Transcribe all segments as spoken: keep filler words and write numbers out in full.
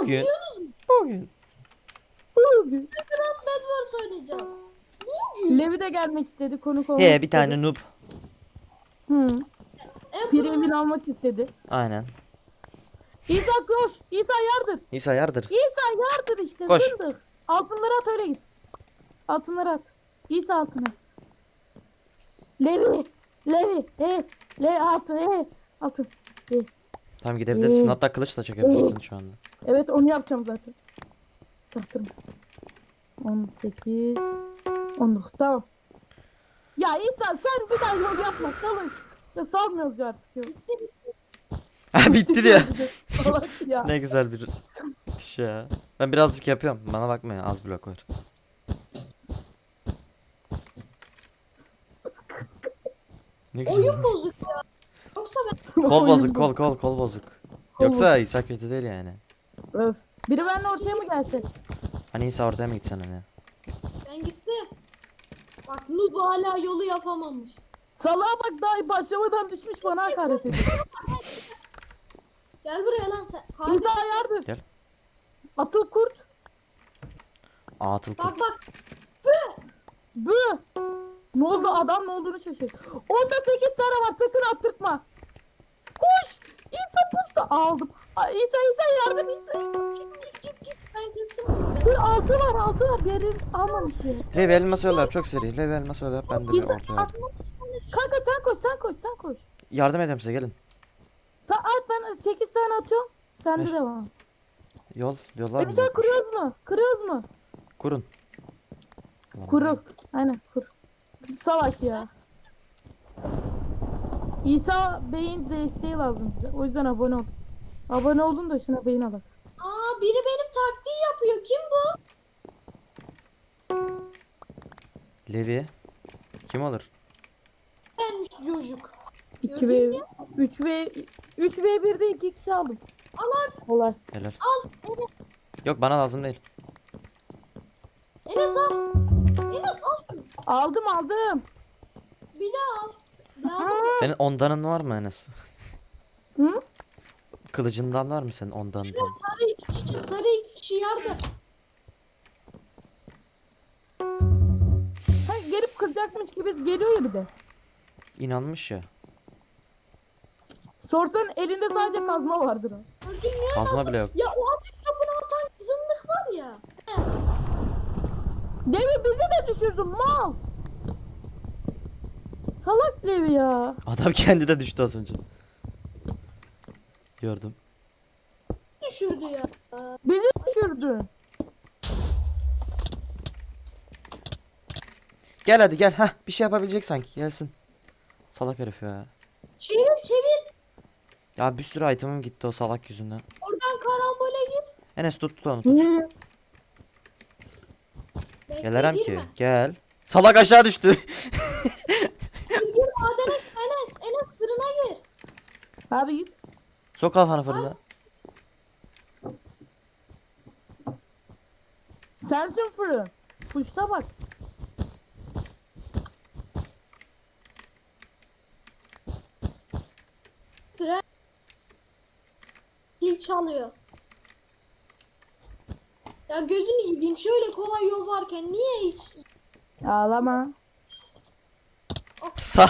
Bugün. Bugün. Bugün. Grand Bedwars oynayacağız. Bugün. Levi de gelmek istedi, konuk olmak He bir istedi. tane noob. Hı. En Premium almak istedi. Aynen. İsa koş. İsa yardır. İsa yardır. İsa yardır işte. Koş. Zındık. Altınları at, öyle git. Altınları at. İsa altına. Levi. Levi. He. Le altın. He. Altın. He. Tamam gidebilirsin. Ee, Hatta kılıç da çekebilirsin şu anda. Evet, onu yapacağım zaten. Çaktırma. on sekiz. on dokuz. Tamam. Ya İsa sen bir daha yol yapma. Çalış. Ya salmıyoruz ya artık. Yok. Ha bitti diyor. Salak ya. Ne güzel bir iş ya. Ben birazcık yapıyorum. Bana bakma ya, az blok var. Ne güzel. oyun bozuk ya. Yoksa ben Kol Oyun bozuk, bu. kol kol kol bozuk. Kol Yoksa İsa kötü değil yani. Öf. Biri benimle ortaya mı gelse? Hani İsa ortaya mı gitsen hani? ben gittim. Bak Noob hala yolu yapamamış. Salağa bak, daha başlamadan düşmüş bana hakaret ediyor. Gel buraya lan sen. Kardeş. İsa yardır. Gel. Atıl kurt. Atıl Bak kurt. bak. Bı. Ne oldu, adam ne olduğunu şaşır. Onda sekiz tane var, sakın attırtma. Koş. İsa pusta aldım. Ay, İsa İsa yardım İsa. Git git git. Ben kestim. Bir altı var, altı var. Diğeri almamış ya. Levi elmas öyle yap, çok seri. Levi elmas öyle yap, ben de bir İsa ortaya yap. kanka sen koş, sen koş, sen koş. Yardım edeyim size, gelin. Sen at, ben sekiz tane atıyorum. Sen de Ver. devam. Yol, yollar mı? İsa yokmuş? kuruyoruz mu? Kırıyoruz mu? Kurun. Ulan Kuru. Aynen kur. Salak ya. İsa beyin desteği lazım bize. O yüzden abone ol. Abone olun da şuna beyin alın. Aa biri benim taktiği yapıyor. Kim bu? Levi. Kim olur? Gelmiş çocuk. iki ve üç ve üç ve birde iki kişi aldım. Al al. Kolay. Helal. Al. Enes. Yok bana lazım değil. Enes al. Enes al şunu. Aldım aldım. Bir daha al. Lazım. Senin ondanın var mı Enes? Hı? Kılıcından var mı senin ondanın? Sarı iki kişi. Sarı iki kişi yardım. Ha, gelip kıracakmış gibi geliyor ya bir de. İnanmış ya. Sorsan elinde sadece kazma vardır o. Gördün ya. Kazma bile yok. Ya o ateş topunu atan zındık var ya. He. Levi bizi de düşürdün mal. Salak Levi ya. Adam kendi de düştü az önce. Gördüm. Düşürdü ya. Bizi düşürdün. Gel hadi gel. Hah, bir şey yapabilecek sanki. Gelsin. Salak herif ya. Çevir çevir. Ya bir sürü itemim gitti o salak yüzünden. Oradan karambole gir. Enes tut tut onu tut. Niye? Bekle, Gelerem ki. girme. Gel. Salak aşağı düştü. Gir gir madene Enes. Enes fırına gir. Abi git. Sok kafanı fırına. Sensin fırın. Kuşta bak. Tren. Pil çalıyor. Ya gözünü yediğim şöyle kolay yol varken niye hiç Ağlama. Sa.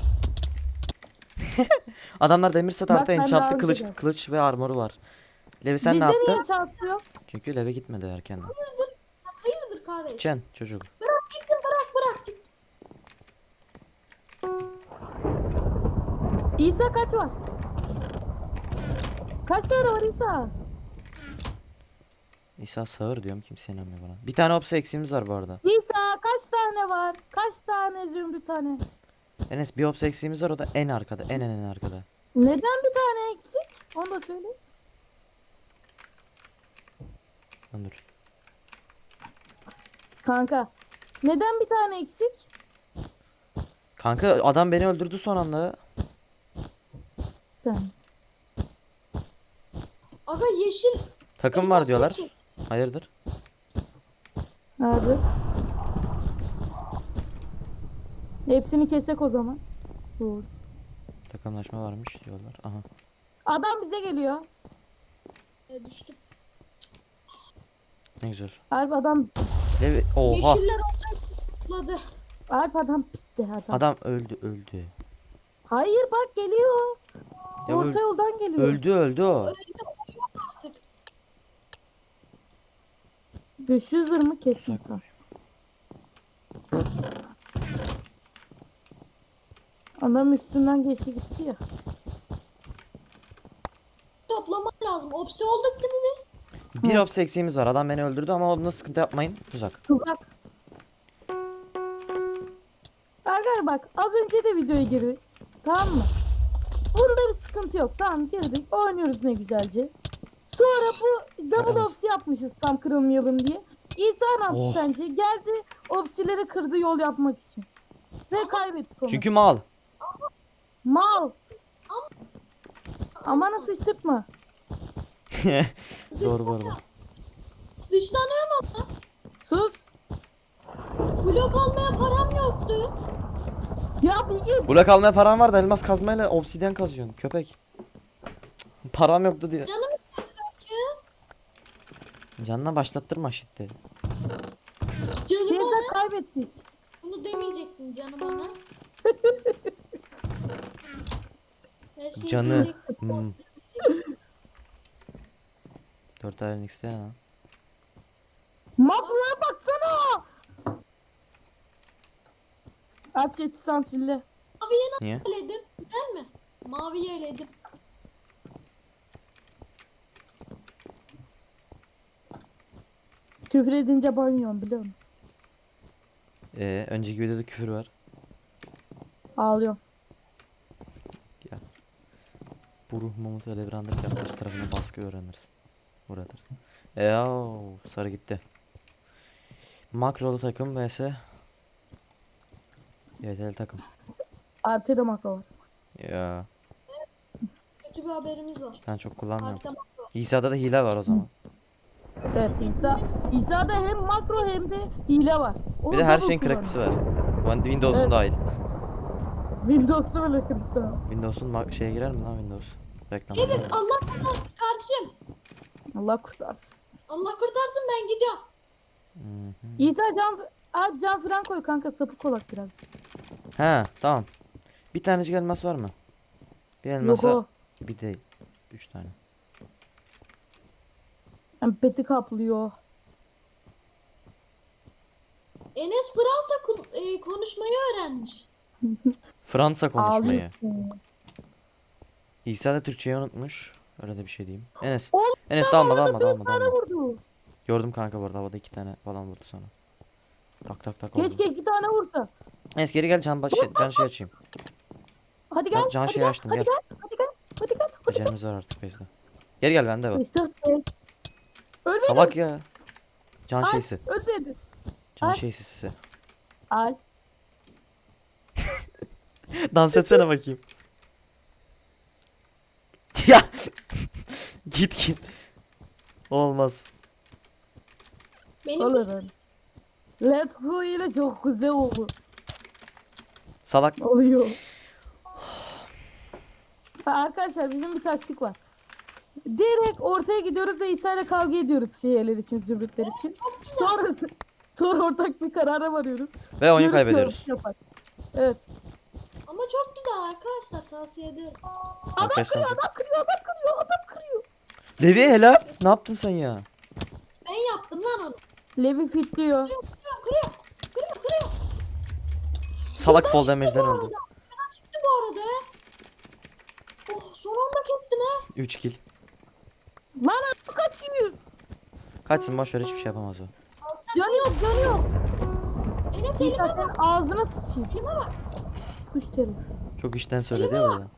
Adamlar demir set Bak, artı ben enchantlı daha kılıç, güzel. kılıç ve armoru var. Levi sen Bizde ne yaptın? niye çarpıyor? Çünkü Levi gitmedi erkenden. hayırdır? Hayırdır kardeş? Çen çocuk. Bırak gitsin bırak bırak git. İsa kaç var? Kaç tane var İsa? İsa sağır diyorum, kimse inanmıyor bana. Bir tane hapse eksiğimiz var bu arada. İsa kaç tane var? Kaç tane zümrüt tane? Enes bir hapse eksiğimiz var, o da en arkada, en en en arkada. Neden bir tane eksik? Onu da söyle. Lan dur. Kanka. Neden bir tane eksik? Kanka adam beni öldürdü son anda. Sen. Aga yeşil. Takım var diyorlar. Hayırdır? Abi. Hepsini kesek o zaman. Dur. Takımlaşma varmış diyorlar. Aha. Adam bize geliyor. E, düştüm. Ne güzel. Alp adam Levi oha. Yeşiller ortaya tutladı. Alp adam pisti adam. Adam öldü öldü. Hayır bak geliyor. Ya Orta öl- yoldan geliyor. öldü öldü o. Artık. beş yüz lira mı kesin? Uzak. Ha. Adam üstünden geçti gitti ya. Toplamak lazım. Opsi olduk değil mi biz? Bir ops eksiğimiz var. Adam beni öldürdü ama onda sıkıntı yapmayın. Tuzak. Tuzak. Arkadaşlar bak az önce de videoya girdik. Tamam mı? Bunda bir sıkıntı yok. Tamam girdik. Oynuyoruz ne güzelce. Sonra bu double Evet. opsi yapmışız tam kırılmayalım diye. İsa ne yaptı Oh. sence? Geldi opsileri kırdı yol yapmak için. Ve kaybettik onu. Çünkü mal. Mal. Aman sıçtırtma. Doğru bu arada. Dışlanıyor mu? Sus. Blok almaya param yoktu. Ya bir git. Blok almaya param var da elmas kazmayla obsidyen kazıyorsun. Köpek. Cık, param yoktu diyor. Canım istedi belki. Canına başlattırma şitti. Canım Şeyde ona. kaybettik. Bunu demeyecektin canım ona. Her şeyi Canı. diyecektin. Hmm. Dört ayarın X'te ya. Makroya baksana. Aç yeti sansürle. Maviye Niye? nasıl eledim? Güzel mi? Maviye eledim. Küfür edince banyoyorum biliyor musun? Ee, önceki videoda küfür var. Ağlıyorum. Bu ruh Mahmut öyle bir anda yaklaşık tarafına baskı öğrenirsin. Buradır. Eee sarı gitti. Makrolu takım vs. Y T L takım. Artı da makro var. Ya Kötü bir haberimiz var. ben çok kullanmıyorum. Harbiden makro. İsa'da da hile var o zaman. Evet İsa. İsa'da hem makro hem de hile var. O Bir de her double şeyin kullanıyor. kraktısı var. Ben- Windows'un Evet. dahil. Windows'ta bile kırıktı. Windows'un ma- şeye girer mi lan Windows? Reklam. Evet Allah kurtarsın kardeşim. Allah kurtarsın. Allah kurtarsın ben gidiyorum. Hı hı. İsa can, Aa, can falan koy kanka sapık olak biraz. He tamam. Bir tanecik elmas var mı? Bir Yok elmasa o. bir de üç tane. Yani beti kaplıyor. Enes Fransa kun- e, konuşmayı öğrenmiş. Fransa konuşmayı. Ağlıyor. İsa da Türkçeyi unutmuş. Öyle de bir şey diyeyim. Enes. Oğlum, Enes sen dalma bana dalma dört dalma tane dalma. vurdu. Gördüm kanka bu arada havada iki tane falan vurdu sana. Tak tak tak oldu. Keşke iki tane vursa. Enes geri gel can, baş, can şey açayım. Hadi gel. Ben can hadi şeyi gel, açtım, hadi gel. gel. Hadi gel. Hadi gel. Hadi gel. Acelemiz var artık bezde. Geri gel bende var. İşte. Ölmedi. Salak ya. Can Ay, şeysi. ölmedi. Can Ay. şeysi size. Al. Dans etsene bakayım. Ya. Git git. Olmaz. Benim Olur öyle. Let's go ile çok güzel oldu. Salak. Oluyor. Ha, arkadaşlar bizim bir taktik var. Direkt ortaya gidiyoruz ve İsa ile kavga ediyoruz şeyler için, zümrütler için. Sonra sonra ortak bir karara varıyoruz. Ve oyunu Diyoruz ki kaybediyoruz. ortak yapar. Evet. ama çok güzel arkadaşlar tavsiye ederim. Adam Arkadaşlar. kırıyor, adam kırıyor, adam kırıyor, adam kırıyor. Levi helal. Ne yaptın sen ya? Ben yaptım lan onu. Levi fitliyor. Kırıyor kırıyor. Kırıyor kırıyor. Salak fall çıktı damage'den bu öldü. arada. Fena çıktı bu arada. Oh son anda kestim ha. üç kill. Lan adam kaçıyor. Kaçsın boş ver hiçbir şey yapamaz o. Canı yok, canı yok. Enes İsa elime sen bak. ağzına sıçayım. Elime bak. Push terim. Çok işten söyledi ya burada.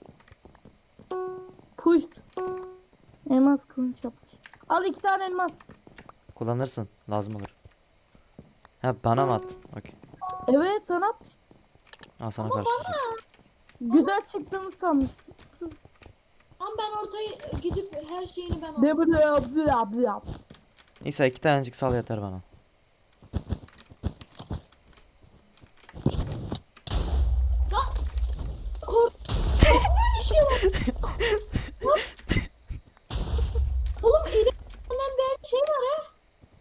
Push. Elmas kılıç yapmış. Al iki tane elmas. Kullanırsın. Lazım olur. Ha bana mı at? Okey. Evet sana atmış. Al sana karşı tutacak. Güzel çıktığını sanmıştım. Tam ben ortaya gidip her şeyini ben aldım. Ne böyle yaptı yaptı yaptı. Neyse iki tanecik sal yeter bana. Lan! Kork... Korkmuyor bir şey var. Oğlum elimden değerli şey var ha.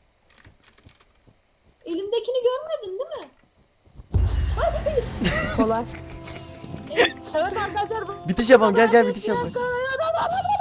Kolay. Evet arkadaşlar. bu- Bitiş yapalım, gel gel bitiş Bir yapalım. dakika,